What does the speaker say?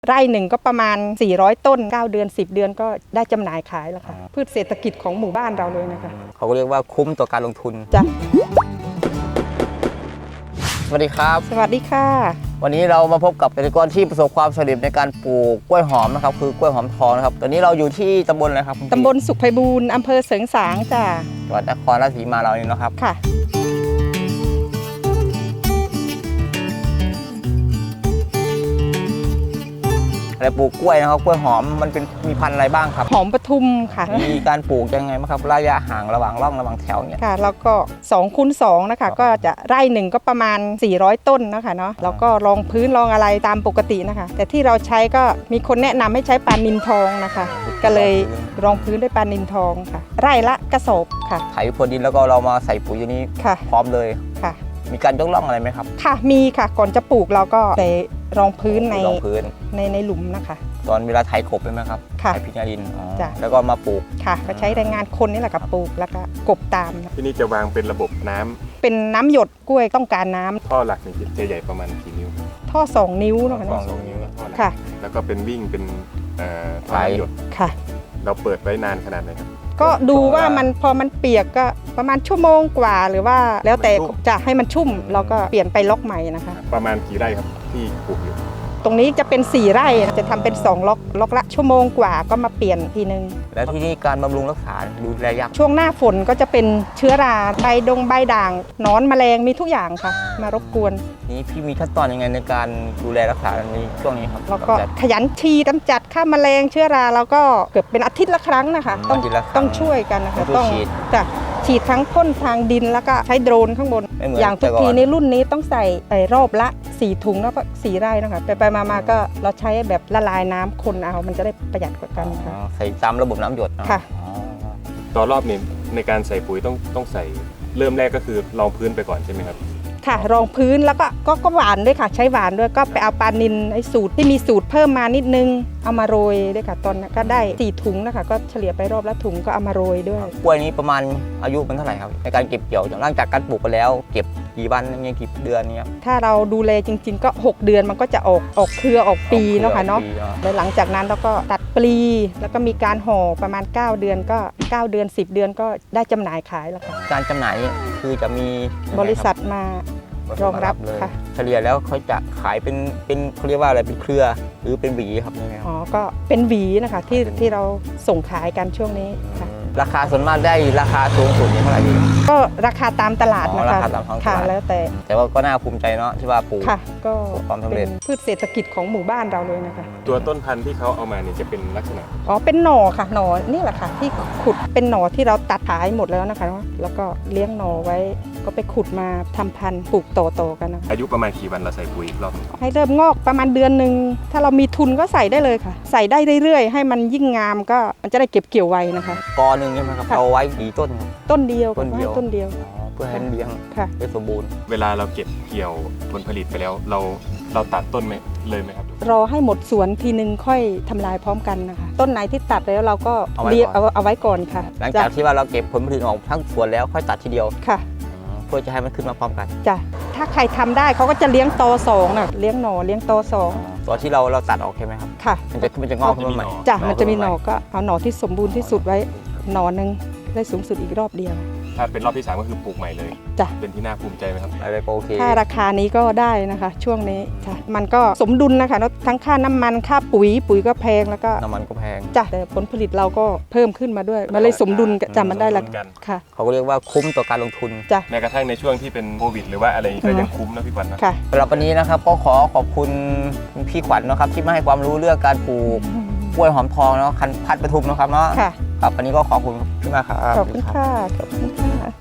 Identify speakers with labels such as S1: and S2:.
S1: ไร่หนึ่งก็ประมาณ400ต้น9เดือน10เดือนก็ได้จำหน่ายขายแล้วค่ะพืชเศรษฐกิจของหมู่บ้านเราเลยนะคะ
S2: เขาก็เรียกว่าคุ้มต่อการลงทุน
S1: จ้ะ
S2: สวัสดีครับ
S1: สวัสดีค่ะ
S2: วันนี้เรามาพบกับเกษตรกรที่ประสบความสำเร็จในการปลูกกล้วยหอมนะครับคือกล้วยหอมทองนะครับตอนนี้เราอยู่ที่ตำบลอะไรครับ
S1: ตำบลสุขไพบูลย์อำเภอเสริงสางจ้ะ
S2: จังหวัดนครราชสีมาเรานี่นะครับ
S1: ค่ะ
S2: อะไรปลูกกล้วยนะครับกล้วยหอมมันเป็นมีพันธุ์อะไรบ้างครับ
S1: หอมปทุมค่ะ
S2: มีการปลูกยังไงบ้างครับระยะห่างระหว่างร่องระหว่างแถวเนี่ย
S1: ค่ะแล้วก็2 คูณ 2นะคะก็จะไร่หนึ่งก็ประมาณ400ต้นนะคะเนาะแล้วก็รองพื้นรองอะไรตามปกตินะคะแต่ที่เราใช้ก็มีคนแนะนำให้ใช้ปลานิลทองนะคะก็เลยรองพื้นด้วยปลานิลทองค่ะไร่ละกระสอบค่ะ
S2: ไถพรวนดินแล้วก็เรามาใส่ปุ๋ยอย่างนี้พร้อมเลย
S1: ค่ะ
S2: มีการยกร่องอะไรไหมครับ
S1: ค่ะมีค่ะก่อนจะปลูกเราก็ใส่รองพื้นในหลุมนะคะ
S2: ตอนเวลาไถกบใช่ไหมครับ
S1: ค่ะ
S2: ไถพิญญาดิน
S1: จ้ะ
S2: แล้วก็มาปลูก
S1: ค่ะก็ใช้แรงงานคนนี่แหละกับปลูกแล้วก็กบตาม
S3: ที่นี่จะวางเป็นระบบน้ำ
S1: เป็นน้ำหยดกล้วยต้องการน้ำ
S3: ท่อหลักนี่จะใหญ่ประมาณกี่นิ้ว
S1: ท่อ2 นิ้วนะคะ
S3: 2 นิ้วท่อหลัก
S1: ค่ะ
S3: แล้วก็เป็นวิ่งเป็นท่อน้ำหยด
S1: ค่ะ
S3: เราเปิดไว้นานขนาดไหนครับ
S1: ก็ดูว่ามันพอมันเปียกก็ประมาณชั่วโมงกว่าหรือว่าแล้วแต่จะให้มันชุ่มเราก็เปลี่ยนไปล็อกใหม่นะคะ
S3: ประมาณกี่ไร่ครับที่ปลูกอยู่
S1: ตรงนี้จะเป็น4 ไร่จะทำเป็น2ล็อกละชั่วโมงกว่าก็มาเปลี่ยนทีนึง
S2: แล้วที่นี่การบำรุงรักษาดูแลยาก
S1: ช่วงหน้าฝนก็จะเป็นเชื้อราใบด่างหนอนแมลงมีทุกอย่างค่ะมารบกวน
S2: นี่พี่มีขั้นตอนยังไงในการดูแลรักษาในช่วงนี้ครับ
S1: แล้วก็ขยันฉีดกำจัดฆ่าแมลงเชื้อราแล้วก็เกือบเป็นอาทิตย์ละครั้งนะคะต้องช่วยกันนะคะต้องฉีดทั้งพ่นทางดินแล้วก็ใช้โดรนข้างบนอย่างทุกทีในรุ่นนี้ต้องใส่รอบละ4 ถุงแล้วก็4 ไร่นะคะไปมาก็เราใช้แบบละลายน้ำคนเอามันจะได้ประหยัดกว่ากันค่ะ
S2: ใส่ตามระบบน้ำหยด
S1: ค่ะ
S3: ต่อรอบนี้ในการใส่ปุ๋ยต้องใส่เริ่มแรกก็คือรองพื้นไปก่อนใช่ไหมครับ
S1: ค่ะรองพื้นแล้วก็หวานด้วยค่ะใช้หวานด้วยก็ไปเอาปลานิลไอ้สูตรที่มีสูตรเพิ่มมานิดนึงเอามาโรยด้วยค่ะตอนนั้นก็ได้4 ถุงนะคะก็เฉลี่ยไปรอบละถุงก็เอามาโรยด้วย
S2: กล้วยนี้ประมาณอายุมันเท่าไหร่ครับในการเก็บเกี่ยวหลังจากการปลูกไปแล้วเก็บกี่วันยังกี่เดือนเนี่ย
S1: ถ้าเราดูแลจริงๆก็6 เดือนมันก็จะออกเครือออกปีเนาะค่ะเนาะแล้วหลังจากนั้นเราก็ตัดปลีแล้วก็มีการห่อประมาณ9 เดือนก็9 เดือน10 เดือนก็ได้จำหน่ายขายแล้วค่ะ
S2: การจำหน่ายนี่คือจะมี
S1: บริษัทมารองรับ
S2: เลย
S1: ค่ะ
S2: เฉลี่ยแล้วเขาจะขายเป็นเขาเรียกว่าอะไรเป็นเครือหรือเป็นหวีครับนี่ครับ
S1: อ๋อก็เป็นหวีนะคะที่เราส่งขายกันช่วงนี้ค่ะ
S2: ราคาส่วนมากได้ราคาสูงสุดเท่าไหร่ดี
S1: ก็ราคาตามตลาดนะคะ
S2: ราคาตามท้องตลาด
S1: แล้ว
S2: แต่ว่าก็น่าภูมิใจเนาะที่ว่าปลูก
S1: ค่ะก็
S2: ความสำเร็จ
S1: พืชเศรษฐกิจของหมู่บ้านเราเลยนะคะ
S3: ตัวต้นพันธุ์ที่เขาเอามาเนี่ยจะเป็นลักษณะ
S1: อ๋อเป็นหน่อค่ะหน่อนี่แหละค่ะที่ขุดเป็นหน่อที่เราตัดขายหมดแล้วนะคะแล้วก็เลี้ยงหน่อไว้ก็ไปขุดมาทำพันธุ์ปลูกต่อกันนะคะ
S3: อายุประมาณกี่วันเราใส่ปุ๋ยรอบ
S1: ให้เริ่มงอกประมาณเดือนนึงถ้าเรามีทุนก็ใส่ได้เลยค่ะใส่ได้เรื่อยๆให้มันยิ่งงามก็มันจะได้เก็บเกี่ยวไวนะคะ
S2: กอหนึ่งใช่ไหมครับเอาไว้กี่ต้นครับ
S1: ต้นเดียว
S2: ต้นเดียวเพื่อให้เลี้ยงได้สมบูรณ์
S3: เวลาเราเก็บเกี่ยวผลผลิตไปแล้วเราตัดต้นไหมเลยไหมครับ
S1: รอให้หมดสวนทีนึงค่อยทำลายพร้อมกันนะคะต้นไหนที่ตัดแล้วเราก็เลี้ยงเอาไว้ก่อนค่ะ
S2: หลังจากที่ว่าเราเก็บผลผลิตออกทั้งสวนแล้วค่อยตัดทีเดียว
S1: ค่ะ
S2: เพื่อจะให้มันขึ้นมาพร้อมกัน
S1: จ้ะถ้าใครทำได้เขาก็จะเลี้ยงต2น่ะเลี้ยงหน่อเลี้ยงต2
S2: ตัวที่เราตัดออกใช่ไหมครับ
S1: ค่ะ
S2: มันจะงอกขึ้นมาใหม่
S1: จ้ะมันจะมีหน่อก็เอาหน่อที่สมบูรณ์ที่สุดไว้หน่อนึงได้สูงสุดอีกรอบเดียว
S3: ถ้าเป็นรอบที่3ก็คือปลูกใหม่เลย
S1: จ้ะ
S3: เป็นที่น่าภูมิใจไหมครับ
S2: อะไรก็โอเค
S1: ถ้าราคานี้ก็ได้นะคะช่วงนี้จ้ะมันก็สมดุลนะคะทั้งค่าน้ำมันค่าปุ๋ยก็แพงแล้วก็
S2: น้ำมันก็แพง
S1: จ้ะแต่ผลผลิตเราก็เพิ่มขึ้นมาด้วยมันเลยสมดุลจ้ะมันได้ละค่ะ
S2: เขาก็เรียกว่าคุ้มต่อการลงทุน
S1: จ้ะ
S3: แม้กระทั่งในช่วงที่เป็นโควิดหรือว่าอะไรก็ยังคุ้มนะพี่ขวัญนะ
S1: ค่ะ
S2: สำหรับวันนี้นะครับก็ขอบคุณพี่ขวัญนะครับที่มาให้ความรู้เรื่องการปลูกกล้วยหอมทองเนาะพันธุ์ปทุมนะครับเนาะ
S1: ค่ะ
S2: ครับวันนี้ก็ขอบคุณพี่มากครับ
S1: ขอบคุณค่ะ